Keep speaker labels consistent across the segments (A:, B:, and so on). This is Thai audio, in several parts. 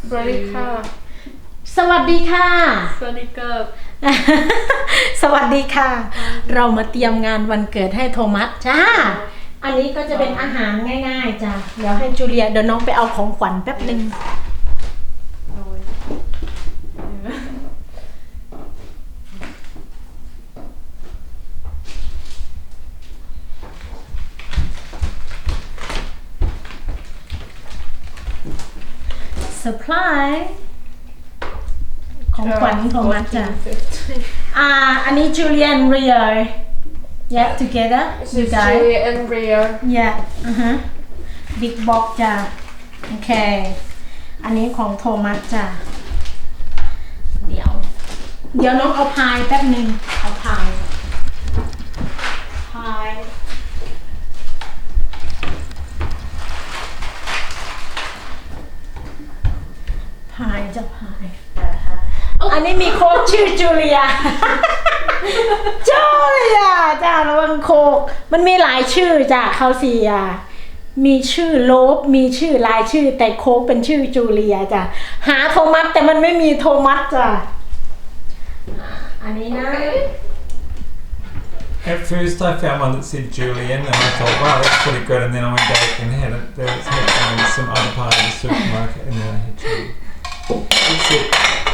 A: สวัสดีค่ะ
B: สวัสดีค่ะ
A: สวัสดีครับ
B: สวัสดีค่ะ เรามาเตรียมงานวันเกิดให้โทมัสจ้า อันนี้ก็จะเป็นอาหารง่ายๆจ้ะ เดี๋ยวให้จูเลียเดี๋ยวน้องไปเอาของขวัญแป๊บนึง supply ของขวัญโทมัสจ้ะ อันนี้ Julian Rio yeah together you guys
A: Julia and Rio
B: yeah big box จ้ะโอเคอันนี้ของโทมัสจ้ะเดี๋ยวน้องเอาพายแป๊บนึงเอาพายจะพายอันนี้มีโค้กชื่อจูเลีย จูเลียจ้าระวังโคกมันมีหลายชื่อจ้ะเขาสี่มีชื่อโลบมีชื่อหลายชื่อแต่โคกเป็นชื่อจูเลียจ้ะหาโทมัสแต่มันไม่มีโทมัสจ้ะอันนี้นะ
C: At first I found one that said Julian and I thought, wow, that's pretty good, and then I went back and had it. There was some other part of the supermarket and then I had Julian. That's it.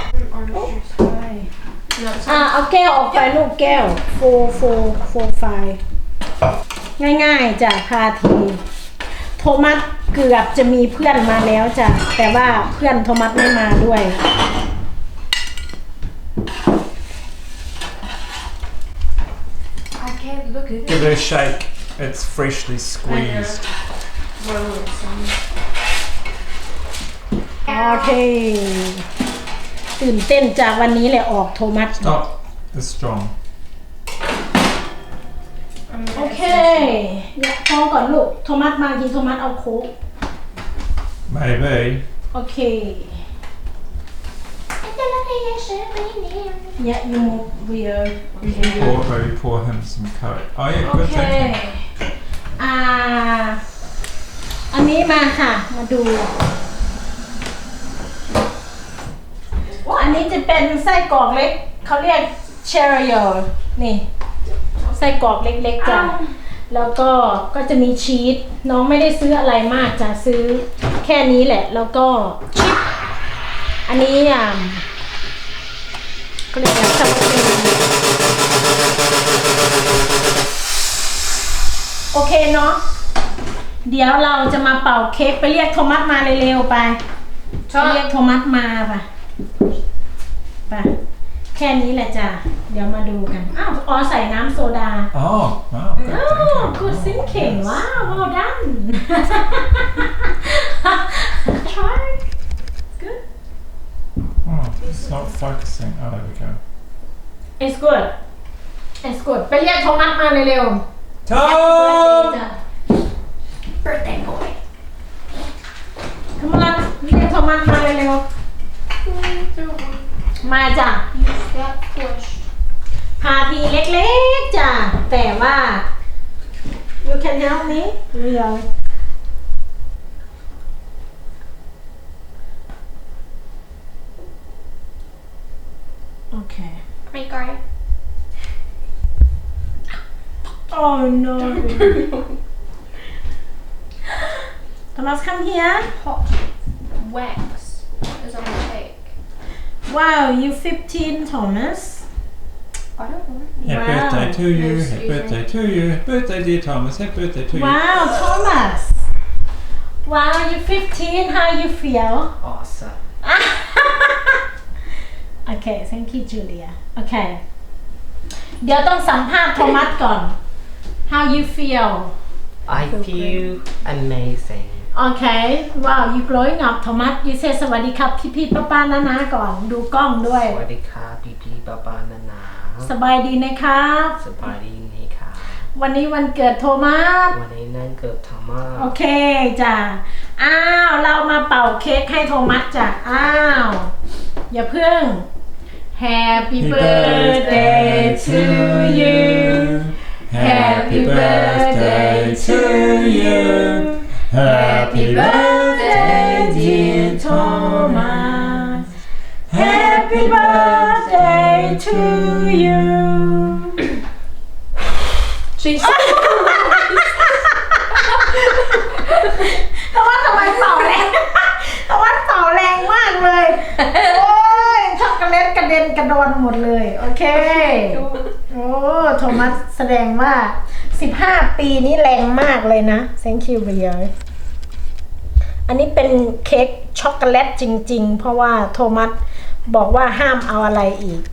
B: เอาแก้วออกไปลูกแก้วโฟไฟง่ายๆจ้ะพาทีโทมัสเกือบจะมีเพื่อนมาแล้วจ้ะแต่ว่าเพื่อนโทมัสไม่มาด้วย
A: I can't look at
C: Give it a shake. It's freshly squeezed.
B: โอเคตื่นเต้นจากวันนี้แหละออกโทมัส
C: Stop. It's strong.
B: โอเคพอก่อนลูกโทมัสมากินโทมัสเอาโค้ก
C: Maybe.
B: โอเคYeah, you move weird.
C: Maybe pour him some Coke. Oh yeah, good thinking.
B: อันนี้มาค่ะมาดูอันนี้จะเป็นไส้กรอกเล็กเขาเรียกเชอริโอนี่ไส้กรอกเล็กๆจ้ะแล้วก็จะมีชีสน้องไม่ได้ซื้ออะไรมากจ้ะซื้อแค่นี้แหละแล้วก็ชิปอันนี้ก็เรียกว่าสปาเกตตี้โอเคเนาะเดี๋ยวเราจะมาเป่าเค้กไปเรียกโทมัสมาเร็วๆไปเรียกโทมัสมาไปแค่นี้แหละจ้ะเดี๋ยวมาดูกันอ๋อใส่น้ำโซดา
C: Oh, wow. Good thinking.
B: good thinking wow well done try good
C: Oh, it's not focusing. Oh, there we go.
B: it's good it's good ไปเรียกโทมัสมาเร็วๆ
C: Tom!
B: birthday boy come on เรียกโทมัสมาเร็วๆมาจ้ะ
A: Use that push
B: พาทีเล็กๆจ้ะแต่ว่า you can help me real okay
A: ไม่ไกล
B: oh no Thomas come here
A: hot wax is on the cake
B: wow you 15 Thomas
A: I don't know
C: Happy
B: Wow.
C: birthday to you.
A: Excuse
C: Happy
A: me.
C: birthday to you. Happy birthday, dear Thomas. Happy birthday to you.
B: wow Thomas wow you 15 how you feel
D: Awesome.
B: okay thank you Julia okay เดี๋ยวต้องสัมภาษณ์โทมัสก่อน how you feel
D: I feel amazing.
B: okay wow you growing up โทมัส you say สวัสดีครับพี่ๆป้าๆน้าๆก่อนดูกล้องด้วย
D: สวัสดีครับพี่ๆป้าๆนานา
B: สบายดีนะครับ
D: สบายดีนี่ค่ะ
B: วันนี้วันเกิดโทมัส
D: วันนี้นั่นเกิดธรรมะ
B: โอเคจ้ะเรามาเป่าเค้กให้โทมัสจ้ะอย่าเพิ่ง Happy birthday to you Happy birthday to you Happy birthday dear Thomas birthday to you
A: She's
B: แต่ว่าทำไมเป่าแรงแต่ว่าเป่าแรงมากเลย โอ้ยช็อกโกแลตกระเด็นกระดอนหมดเลย โอเค โอ้โทมัสแสดงว่า 15 ปีนี้แรงมากเลยนะ thank you เบียร์อันนี้เป็นเค้กช็อกโกแลตจริงๆ เพราะว่าโทมัสบอกว่าห้ามเอาอะไรอีก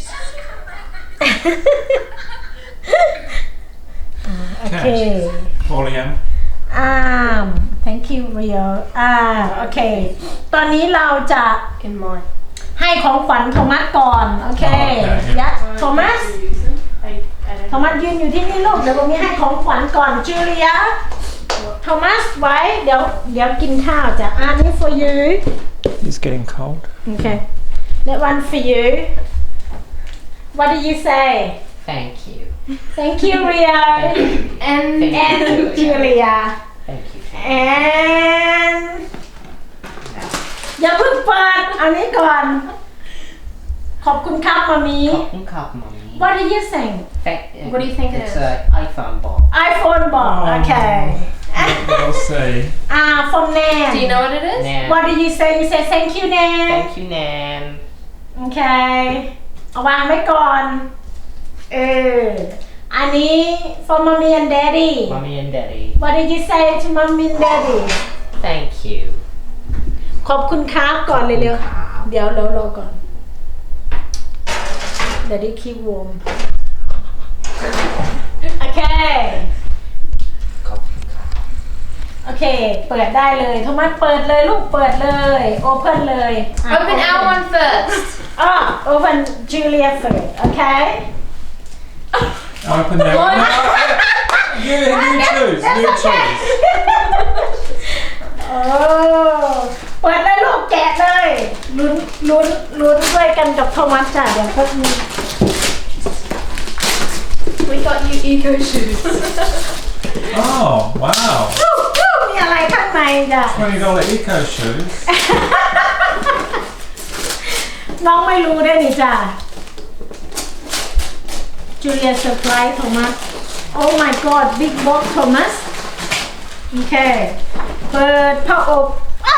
B: โอเค
C: Pauline.
B: thank you Rio โอเค ตอนนี้เราจะ
A: in mine.
B: ให้ของขวัญโทมัสก่อน โอเค ยัดโทมัส โทมัสยืนอยู่ที่นี่ลูก เดี๋ยวผมมีให้ของขวัญก่อนจูเลีย โทมัสไว้ เดี๋ยวกินข้าวจ้ะอันนี้ for you
C: It's getting cold.
B: okay that one for you what do you say
D: Thank you.
B: thank you Rio
A: And
B: and Julia
D: Thank you.
B: and อย่าเพิ่งเปิดเอานี้ก่อน ขอบคุณครับมามี
D: ขอบคุณครับ mommy.
B: what do you think
A: What do you think it
D: It's
A: is?
D: an iPhone box.
B: iPhone บอก
C: Oh.
B: โอเค
C: We'll see.
B: from Nan
A: do you know what it is?
D: Nan.
B: what do you say you say thank you Nan
D: Thank you, Nan.
B: โอเค เอาวางไว้ก่อน อันนี้ for mommy and daddy
D: Mommy and Daddy.
B: what did you say to mommy and daddy
D: Thank you.
B: ขอบคุณครับก่อนเลยเร็ว
D: ครับ
B: เดี๋ยวเรารอก่อน Daddy keep warm โอเค
D: ขอบคุณครับ
B: โอเค เปิดได้เลยโทมัสเปิดเลยลูกเปิดเลย open เลยอ่ะ
A: Open our one first.
B: open Julia first โอเค
C: Open that one. No, you choose. You choose.
B: โอ้เปิดเลยลูกแกะเลยลุ้นด้วยกันกับโทมัสจ้ะเดี๋ยวเพิ่ง
A: We got you eco shoes.
C: Oh, wow.
B: มีอะไรข้างในจ้ะ
C: $20 eco shoes.
B: น้องไม่รู้ได้นี่จ้ะจูเลียเซอร์ไพรส์โทมัส Oh my god big box โทมัสโอเค เปิดผ้าอบอ้าว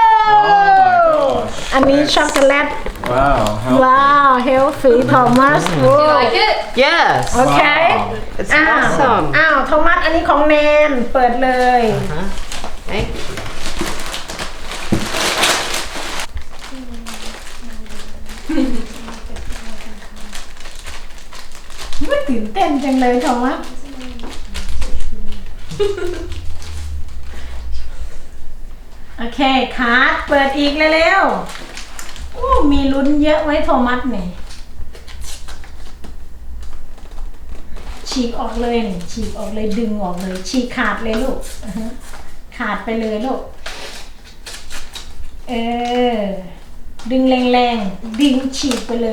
C: gosh
B: อันนี้ช็อกโกแลต
C: Wow. How
B: ว้าว healthy โทมัส
A: Do you like it?
D: Yes.
B: โอเค
D: Wow. It's
B: อ้าว
D: awesome.
B: โทมัสอันนี้ของแนนเปิดเลย
D: Huh? Thank you.
B: ไม่ตื่นเต้นจังเลยโทมัส โอเคคัดเปิดอีกเร็วๆโอ้มีลุ้นเยอะไว้โทมัสเนี่ยฉีกออกเลยนี่ฉีกออกเลยดึงออกเลยฉีกขาดเลยลูกอือฮะขาดไปเลยลูกดึงแรงๆดึงฉีกไปเลย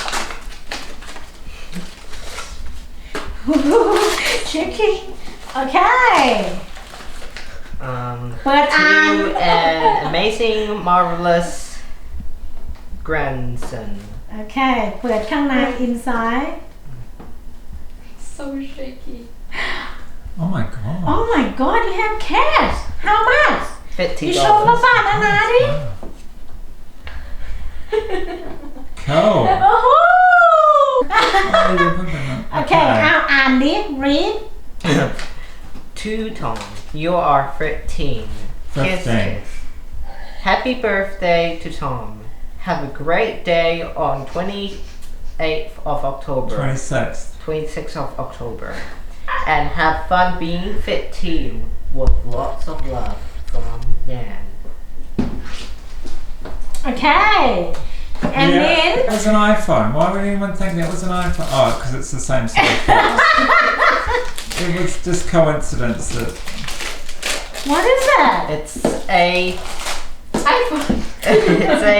B: tricky โอเค เปิดอ่าน
D: To an amazing, marvelous grandson.
B: โอเค เปิดข้างใน inside
A: So shaky.
C: Oh my god.
B: oh my god you have cash how much
D: $50.
B: you show ป้าป้านาดิ
C: Cool.
B: โอ้โห
C: Oh, you put them up.
B: โอเคอ่านดิ read
D: To Tom, you are 13. Kiss,
C: 15.
D: kiss. Happy birthday to Tom. Have a great day on 28th of October.
C: 26th.
D: 26th of October. And have fun being 15 with lots of love from Nan.
B: โอเค and then
C: It was an iPhone. Why would anyone think that was an iPhone? Oh, because it's the same sort of box. It was just coincidence that
B: what is that
D: It's a
A: iPhone.
D: it's a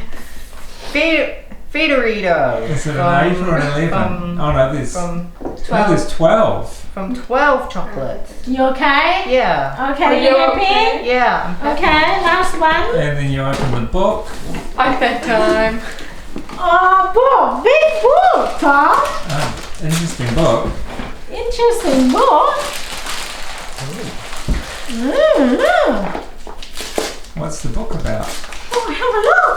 D: Feederito.
C: is it an 8 or an 11? Oh no, there's
D: From
C: no, there's 12.
D: from 12 chocolates.
B: you okay
D: Yeah.
B: okay you happy
D: Yeah. I'm happy.
B: okay last one
C: And then you open the book.
A: iPad time.
B: Oh, book, big book, Tom.
C: Interesting book.
B: Interesting book.
C: What's the book about?
B: Oh, have a look.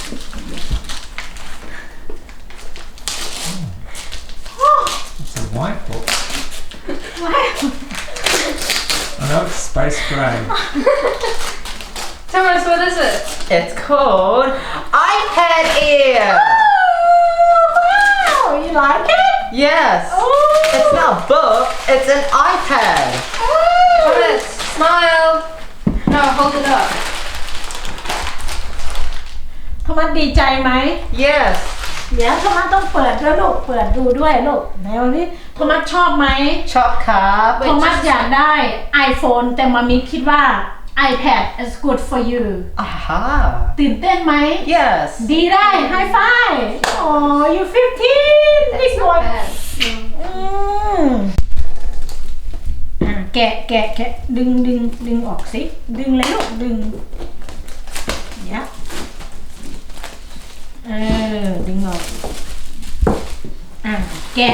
B: Oh,
C: It's a white book.
B: wow.
C: I know it's space grey.
A: Thomas, what is it?
D: It's called iPad Air.
B: Oh, wow. You like it?
D: Yes.
B: Oh.
D: It's not a book, it's an iPad.
B: Oh.
A: Thomas, smile. No, hold it up.
B: โทมัสดีใจไหม
D: Yes.
B: เดี๋ยวโทมัสต้องเปิดด้วยลูก เปิดดูด้วยลูกไหนวันนี้โทมัสชอบไหม
D: Chop cup.
B: โทมัสอยากได้ iPhone แต่มามิคิดว่า iPad is good for you
D: Aha.
B: ตื่นเต้นไหม
D: Yes.
B: ดีได้ High five Oh you 15 big
A: It's
B: boy
A: not bad.
B: แกะดึงออกสิดึงเลยลูกดึงเนี่ยดึงออกแกะ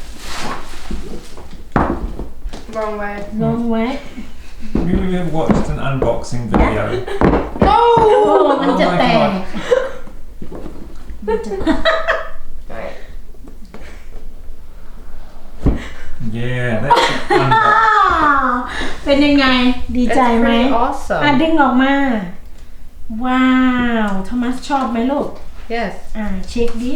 A: Wrong way.
B: ลงไว้
C: We have watched an unboxing video.
B: โอ้มันจะ
C: Oh my
B: แตก
C: God.
B: มันจะ
A: Right.
C: Yeah, that's unboxing.
B: เป็นยังไงดี
D: It's
B: ใจไหม
D: pretty awesome.
B: ดึงออกมา ว้าวโทมัสชอบไหมลูก
D: Yes.
B: เช็คดิ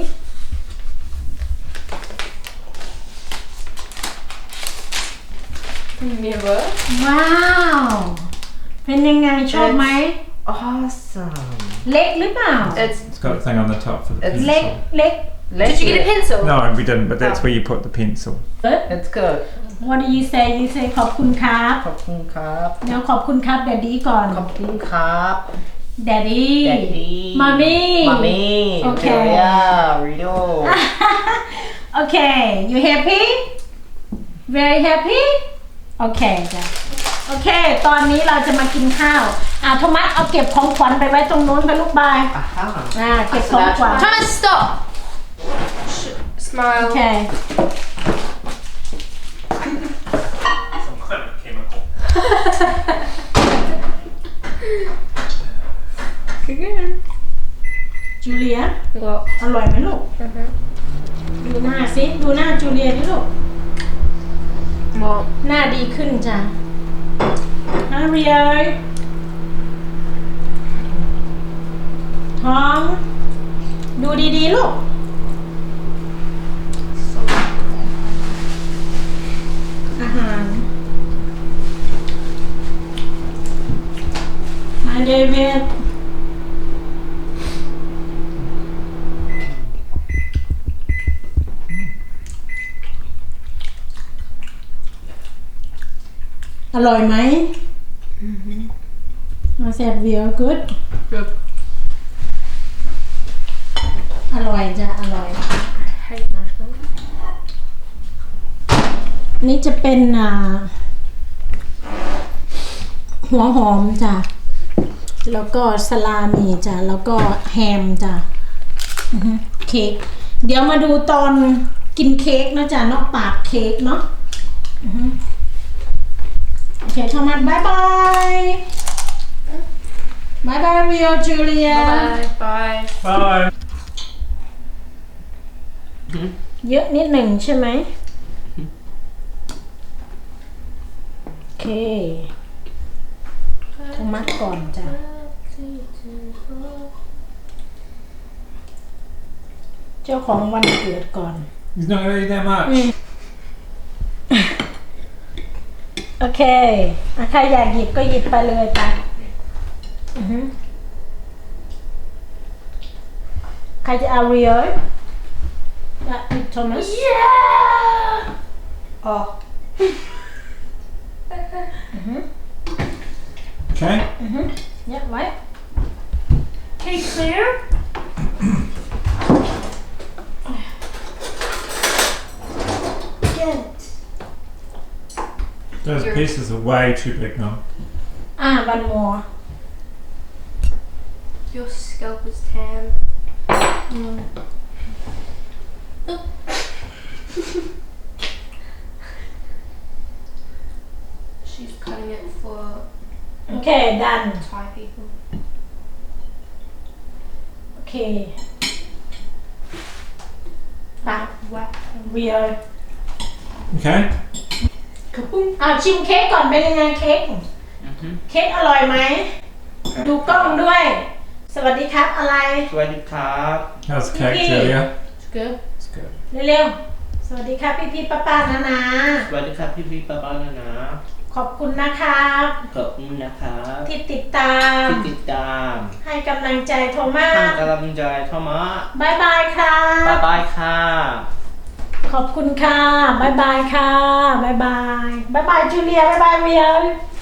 A: Mirror.
B: ว้าว เป็นยังไงชอบไหม
D: Awesome.
B: เล็กหรือเปล่า
A: It's.
C: It's got a thing on the top for the
D: It's
B: เล็ก
C: pencil.
B: เล็ก
A: Did you get a pencil?
C: No, we didn't, but that's where you put the pencil.
D: It's good.
B: What do you say you say ขอบคุณครับ
D: ขอบคุณครับ
B: เดี๋ยวขอบคุณครับแดดดี้ก่อน
D: ขอบคุณครับ
B: แดดดี้
D: Daddy.
B: มามี่
D: Mommy.
B: Okay.
D: Julia. Rido.
B: โอเค you happy very happy โอเคจ้ะโอเค ตอนนี้เราจะมากินข้าวโทมัสเอาเก็บของขวัญไปไว้ตรงโน้นไปลูกบาย
D: Aha.
B: เก็บของขวัญ
A: Thomas, stop. Smile.
B: โอเค
C: Some kind of chemical.
A: Again.
B: จูเลีย
A: What?
B: อร่อยไหมลูก ดูหน้าสิดูหน้าจูเลียดิลูก
A: What?
B: หน้าดีขึ้นจ้ะฮาเรียท้อง ดูดีๆลูก อาหารมาเดวิดอร่อยไหมมาแซ่บเวียกูด
A: Good.
B: อร่อยจ้ะอร่อย
A: I hate marshmallows.
B: นี่จะเป็นหัวหอมจ้ะ แล้วก็สลามีจ้ะ แล้วก็แฮมจ้ะเค้ก เดี๋ยวมาดูตอนกินเค้กนะจ๊ะนอกปากเค้กเนาะโอเคโทมัสบายบายบายบายเรียจูเลีย
A: Bye.
C: Bye.
B: เยอะนิดหนึ่งใช่ไหมโอเคโทมัสก่อนจ้ะ เจ้าของวันเกิดก่อน
C: He's not going to eat that much.
B: โอเคใครอยากหยิบก็หยิบไปเลยไปใครจะเอาเรียลโทมัส
A: Oh.
C: Okay.
B: เนี่ยไว้
A: Okay, clear.
B: Good.
C: Those pieces are way too big now.
B: one more
A: Your scalp is tan. She's cutting it for
B: โอเค done
A: Thai people.
B: โอเคปะ
A: Whack.
B: weird
C: Okay.
B: ชิมเค้กก่อนเป็นยังไงเค้ก เค้กอร่อยไหม ดูกล้องด้วย สวัสดีครับอะไร
E: สวัสดีครับ
C: How's the cake,
B: Yippee.
C: Julia?
A: It's good.
C: It's good.
B: เร็วๆ สวัสดีครับพี่ๆป้าๆนะ
E: สวัสดีครับพี่ๆป้าๆนะ
B: ขอบคุณนะครับ
E: ขอบคุณนะครับ
B: ที่ติดตาม
E: ที่ติดตาม
B: ให้กำลังใจโทมั
E: ให้
B: ส
E: กำลังใจโทมัส
B: บายบายค่ะ
E: บ๊ายบายค่ะ
B: ขอบคุณค่ะบายบายค่ะบายบายบายบายจูเลียบายบายเวีย